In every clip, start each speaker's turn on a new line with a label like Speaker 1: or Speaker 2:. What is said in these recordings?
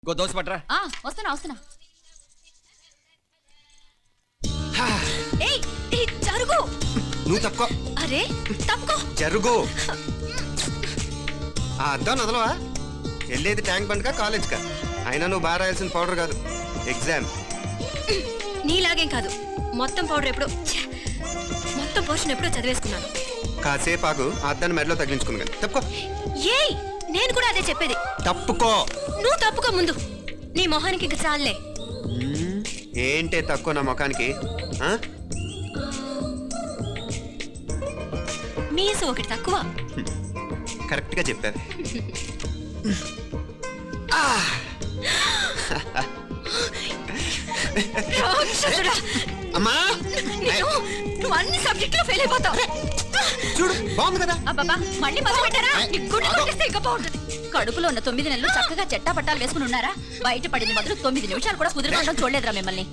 Speaker 1: Go dosa పట్రా.
Speaker 2: వస్తున్నా. ఏయ్ జరుగు.
Speaker 3: నువ్వు తప్పుకో.
Speaker 2: అరే తప్పుకో.
Speaker 3: జరుగు. అద్దం నదలవా? వెళ్ళేది ట్యాంక్ బండ్కా కాలేజ్కా? అయినా నువ్వు బాగా రాయాల్సిన పౌడర్ కాదు, ఎగ్జామ్.
Speaker 2: నీలాగేం కాదు. మొత్తం పోర్షన్ ఎప్పుడో చదివేసుకున్నాను.
Speaker 3: కాసేపు ఆగు, ఆ అద్దాన్ని మెడలో తగిలించుకుంది కానీ. తప్పుకో.
Speaker 2: ఏయ్ నేను కూడా అదే చెప్పేది.
Speaker 3: తప్పుకో.
Speaker 2: నువ్వు తప్పుకో ముందు. నీ మొహానికి ఇంక చాలే.
Speaker 3: ఏంటే తక్కువ నా ముఖానికి?
Speaker 2: మీసు ఒకటి తక్కువ.
Speaker 3: కరెక్ట్ గా చెప్పారు. అమ్మా
Speaker 2: నువ్వు అన్ని సబ్జెక్టులో ఫెయిల్ అయిపోతావు.
Speaker 3: చూడు బాగుంది కదా.
Speaker 2: అబ్బబ్బా మళ్ళీ మొదలు పెట్టారా? ఇంకా బాగుంటుంది. కడుపులో ఉన్న 9 నెలలు చక్కగా చెట్టా పట్టాలు వేసుకుని ఉన్నారా? బయట పడింది మొదలు 9 నిమిషాలు కూడా కుదిరిపోవడం చూడలేదురా మిమ్మల్ని.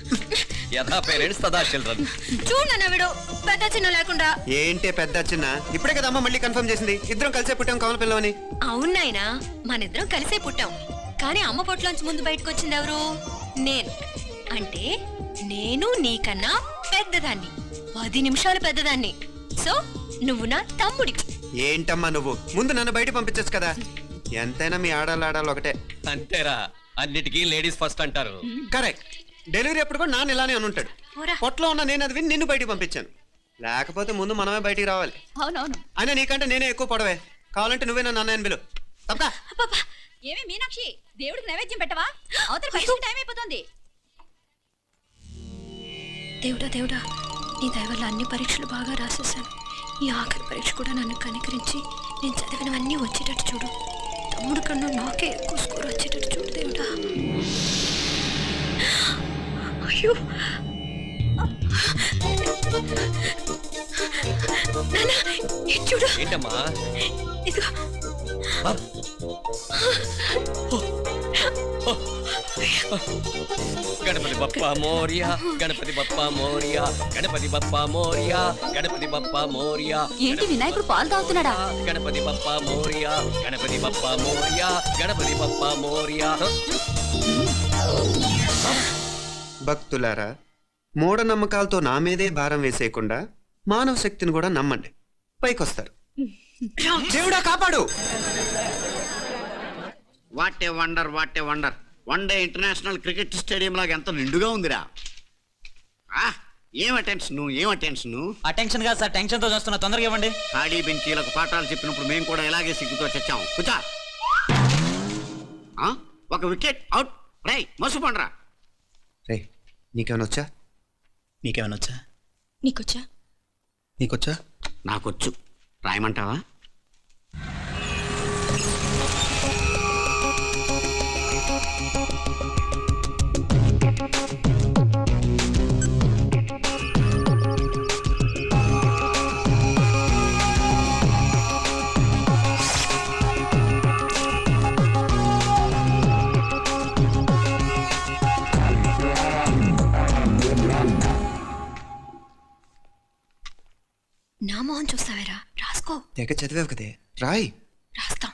Speaker 2: చూడన్నా వీడు పెద్ద చిన్న లేకుండా.
Speaker 3: ఏంటే పెద్ద చిన్న? ఇప్పుడే కదా అమ్మ మళ్ళీ కన్ఫర్మ్ చేసింది. ఇద్దరం కలిసే పుట్టాం కమల పిల్లవని.
Speaker 2: అవునాయనా, మనిద్దరం కలిసే పుట్టాం. కానీ అమ్మ పొట్లోంచి ముందు బయటకు వచ్చింది ఎవరు? నేను. అంటే నేను నీకన్నా పెద్దదాన్ని, 10 నిమిషాలు పెద్దదాన్ని. సో నువ్వు నా తమ్ముడి.
Speaker 3: ఏంటమ్మా నువ్వు? ముందు నన్ను బయట పంపించచ్చు కదా. ఎంతైనా మీ ఆడాలి ఒకటే.
Speaker 1: అంతేరా, అన్నిటికీ లేడీస్ ఫస్ట్ అంటారు.
Speaker 3: కరెక్ట్. డెలివరీ అప్పుడు కూడా నాన్న ఇలానే అని ఉంటాడు. పొట్లో ఉన్న నేను అది విని నిన్ను బయటికి పంపించాను. లేకపోతే ముందు మనమే బయటికి రావాలి.
Speaker 2: అవునవును.
Speaker 3: అయినా నీకంటే నేనే ఎక్కువ పొడవే. కావాలంటే నువ్వే నన్ను అన్నయ్యని పిలు. తప్పా?
Speaker 2: ఏమి మీనాక్షి, దేవుడికి నైవేద్యం పెట్టవా? అవతల టైం అయిపోతుంది. దేవుడా, నీ దయ వల్ల అన్ని పరీక్షలు బాగా రాసేసాను. ఈ ఆఖరి పరీక్ష కూడా నన్ను కనికరించి నేను చదివినవన్నీ వచ్చేటట్టు చూడు. తమ్ముడు కన్నా నాకే ఎక్కువ స్కోర్ వచ్చేటట్టు చూడు దేవుడా. అయ్యో చూడు.
Speaker 1: ఏంటమ్మా?
Speaker 2: ఇదిగో.
Speaker 1: గణపతి బప్పా మోరియా, గణపతి బప్పా మోరియా, గణపతి బప్పా మోరియా, గణపతి బప్పా మోరియా.
Speaker 2: ఏంటి వినాయకుడు పాలు తాగుతున్నాడా?
Speaker 1: గణపతి బప్పా మోరియా, గణపతి బప్పా మోరియా, గణపతి బప్పా మోరియా.
Speaker 3: భక్తులారా, మూఢనమ్మకాలతో నా మీదే భారం వేసేయకుండా మానవ శక్తిని కూడా నమ్మండి, పైకొస్తారు. దేవుడా కాపాడు.
Speaker 4: What a wonder, what a wonder. One day international cricket stadium లాగా ఎంత నిండుగా ఉందిరా. ఏం అటెన్షన్?
Speaker 5: అటెన్షన్ కాదు సార్, టెన్షన్ తో చూస్తున్నా. తొందరగా ఇవ్వండి.
Speaker 4: ఖాళీ బెంచీలకు పాఠాలు చెప్పినప్పుడు మేము కూడా ఇలాగే సిగ్గుతో చచ్చాం. కూర్చో. ఒక వికెట్ అవుట్. రై మసు పండ్రా.
Speaker 3: రే నీకేమైనా వచ్చా?
Speaker 5: నీకేమైనా వచ్చా?
Speaker 3: నీకొచ్చా?
Speaker 4: నాకొచ్చు. రాయమంటావా?
Speaker 2: నా మోహన్ చూస్తావేరా? రాసుకో.
Speaker 3: తెగ చదివావు కదే, రాయ్.
Speaker 2: రాస్తాం.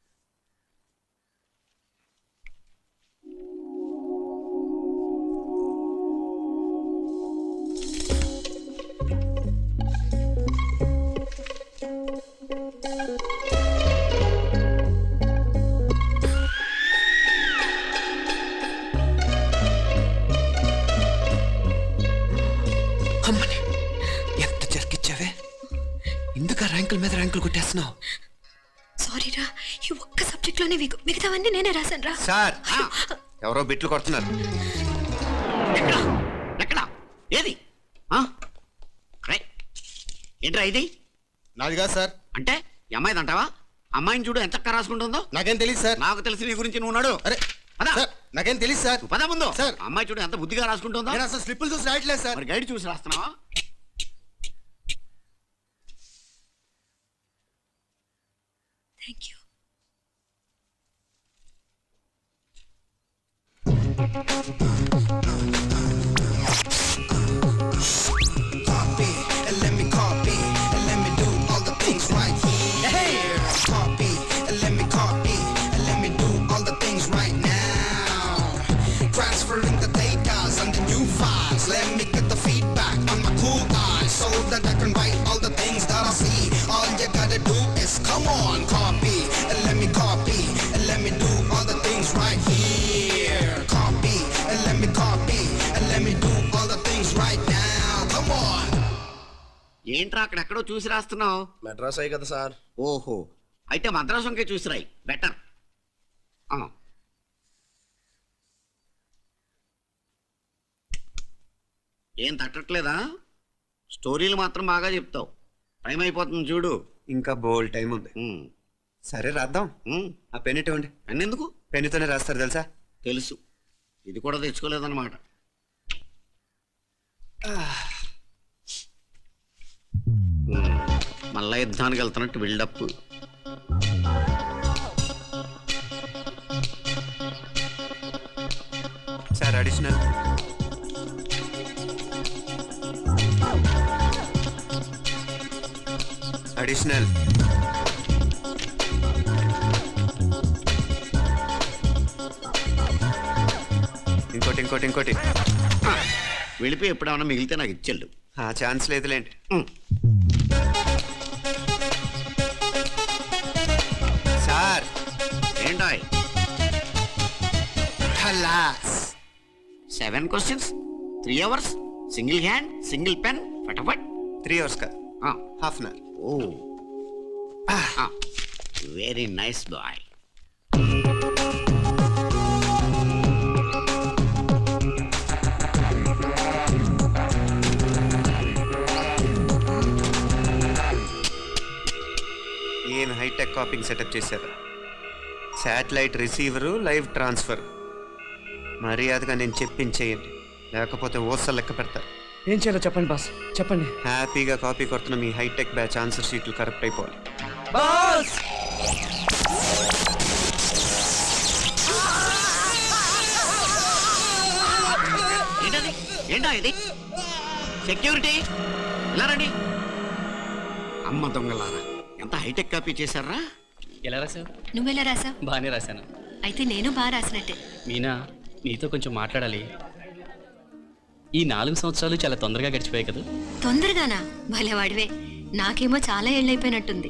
Speaker 3: అమ్మని ఎంత జరికిచ్చావే. ఇందుక ర్యాంకుల మీద ర్యాంకులు కొట్టేస్తున్నావు.
Speaker 2: సారీరా, ఈ ఒక్క సబ్జెక్ట్ లోనే మిగతావన్నీ నేనే రాశాను రా.
Speaker 3: సార్, ఎవరో బిట్లు కొడుతున్నారు.
Speaker 4: ఎక్కడ? ఏది? ఏంట్రా ఇది?
Speaker 6: నాది కాదు సార్.
Speaker 4: అంటే ఈ అమ్మాయిది అంటావా? అమ్మాయిని చూడు ఎంత రాసుకుంటుందో.
Speaker 6: నాకేం తెలియదు సార్.
Speaker 4: నాకు తెలిసి నీ గురించి నువ్వు నాడు.
Speaker 6: అరే సార్, నాకేం తెలియదు సార్.
Speaker 4: పద ముందు.
Speaker 6: సార్,
Speaker 4: అమ్మాయి చూడు ఎంత బుద్ధిగా రాసుకుంటుందో.
Speaker 6: నేను అసలు స్లిప్పులు చూసి రాయట్లేదు సార్.
Speaker 4: మరి గైడ్ చూసి రాస్తున్నావా?
Speaker 2: Thank you.
Speaker 7: Copy and let me copy and let me do all the things right here. Copy and let me copy and let me do all the things right now.
Speaker 4: ఏంట్రా అక్కడెక్కడో చూసి రాస్తున్నావు?
Speaker 6: మెడ్రాస్ అయ్యి కదా sir.
Speaker 4: ఓహో, అయితే మద్రాసు వంకే చూసి రాయి, better. ఏం తట్టట్లేదా? స్టోరీలు మాత్రం బాగా చెప్తావు. టైం అయిపోతుంది చూడు.
Speaker 3: ఇంకా బోల్ టైం ఉంది. సరే రాద్దాం. ఆ పెన్ ఇవ్వండి.
Speaker 4: పెన్ ఎందుకు?
Speaker 3: పెన్నుతోనే రాస్తారు తెలుసా?
Speaker 4: తెలుసు. ఇది కూడా తెచ్చుకోలేదన్నమాట. మళ్ళా యుద్ధానికి వెళ్తున్నట్టు బిల్డప్.
Speaker 3: Sir additional. అడిషనల్. ఇంకోటి ఇంకోటి ఇంకోటి.
Speaker 4: వెళ్ళిపోయి ఎప్పుడేమన్నా మిగిలితే నాకు ఇచ్చెళ్ళు.
Speaker 3: ఆ ఛాన్స్ లేదులేండి. సార్
Speaker 4: ఏంటాయ్? 7 questions, 3 hours, single hand, single pen, ఫటాఫట్.
Speaker 3: 3 hours కాదు, హాఫ్ అన్ అవర్.
Speaker 4: ఓ, వెరీ నైస్ బాయ్.
Speaker 3: ఏం హైటెక్ కాపింగ్ సెటప్ చేశారు. Satellite receiver, live transfer. మర్యాదగా నేను చెప్పించేయండి, లేకపోతే ఓసలు లెక్క పెడతారు.
Speaker 1: ఏం చేయాలో చెప్పండి బాస్, చెప్పండి.
Speaker 3: హ్యాపీగా కాపీ కొడుతున్న మీ హైటెక్ బ్యాచ్ ఆన్సర్ షీట్లు కరెక్ట్ అయిపోవాలి.
Speaker 1: బాస్
Speaker 4: ఏంటది? ఏంటా ఇది? సెక్యూరిటీ ఇలా రండి. అమ్మ దొంగలారా, ఎంత హైటెక్ కాపీ చేశారా?
Speaker 1: ఎలా రాసావు?
Speaker 2: నువ్వెలా రాసా?
Speaker 1: బాగానే రాశాను.
Speaker 2: అయితే నేను బాగా రాసినట్టే.
Speaker 1: మీనా, నీతో కొంచెం మాట్లాడాలి. ఈ 4 సంవత్సరాలు చాలా తొందరగా గడిచిపోయాయి కదా.
Speaker 2: తొందరగానా? భలేవాడివే. నాకేమో చాలా ఏళ్ళైపోయినట్టుంది.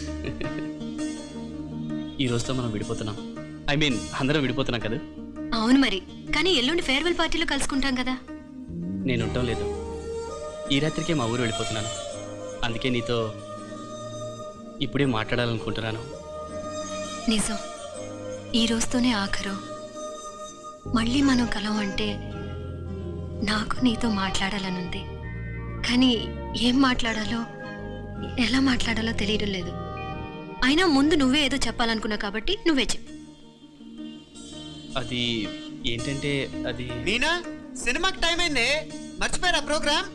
Speaker 1: ఈ రోజుతో మనం విడిపోతున్నాం. ఐ మీన్ అందరం విడిపోతున్నాం కదా.
Speaker 2: అవును మరి, కానీ ఎల్లుండి ఫేర్వెల్ పార్టీలో కలుసుకుంటాం కదా.
Speaker 1: నేను ఉండటం లేదు. ఈ రాత్రికే మా ఊరు వెళ్ళిపోతున్నాను. అందుకే నీతో ఇప్పుడే మాట్లాడాలనుకుంటున్నాను.
Speaker 2: నిజం, ఈ రోజుతోనే ఆఖరు. మళ్ళీ మనం కలం అంటే నాకు నీతో మాట్లాడాలనుంది. కానీ ఏం మాట్లాడాలో, ఎలా మాట్లాడాలో తెలియడం లేదు. అయినా ముందు నువ్వే ఏదో చెప్పాలనుకున్నా కాబట్టి నువ్వే చెప్పు.
Speaker 1: అది ఏంటంటే అది
Speaker 3: మీనా, సినిమాకి టైం అయింది, మర్చిపోయారా ప్రోగ్రామ్?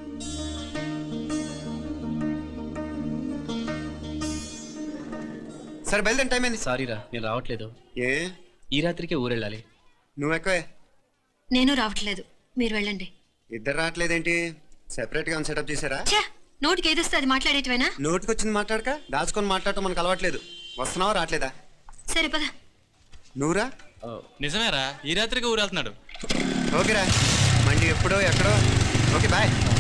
Speaker 3: సరే బయలుదేరి, టైం అయింది.
Speaker 1: సారీరా, నేను రావట్లేదు.
Speaker 3: ఏ?
Speaker 1: ఈ రాత్రికే ఊరు వెళ్ళాలి.
Speaker 3: నువ్వు ఎక్కువే.
Speaker 2: నేను రావట్లేదు, మీరు వెళ్ళండి.
Speaker 3: ఇద్దరు రావట్లేదేంటి? సెపరేట్ గా సెటప్ చేశారా?
Speaker 2: ఛే, నోటికి ఏదొస్తే అది మాట్లాడేటివేనా?
Speaker 3: నోటికి వచ్చింది మాట్లాడక దాచుకొని మాట్లాడటం మనకు అలవాట్లేదు. వస్తున్నావా రావట్లేదా?
Speaker 2: సరే పద.
Speaker 3: నువ్వురా.
Speaker 8: నిజమేరా, ఈ రాత్రికి ఊరు వెళ్తున్నాడు.
Speaker 3: ఓకేరా, మండి ఎప్పుడో ఎక్కడో. Okay bye.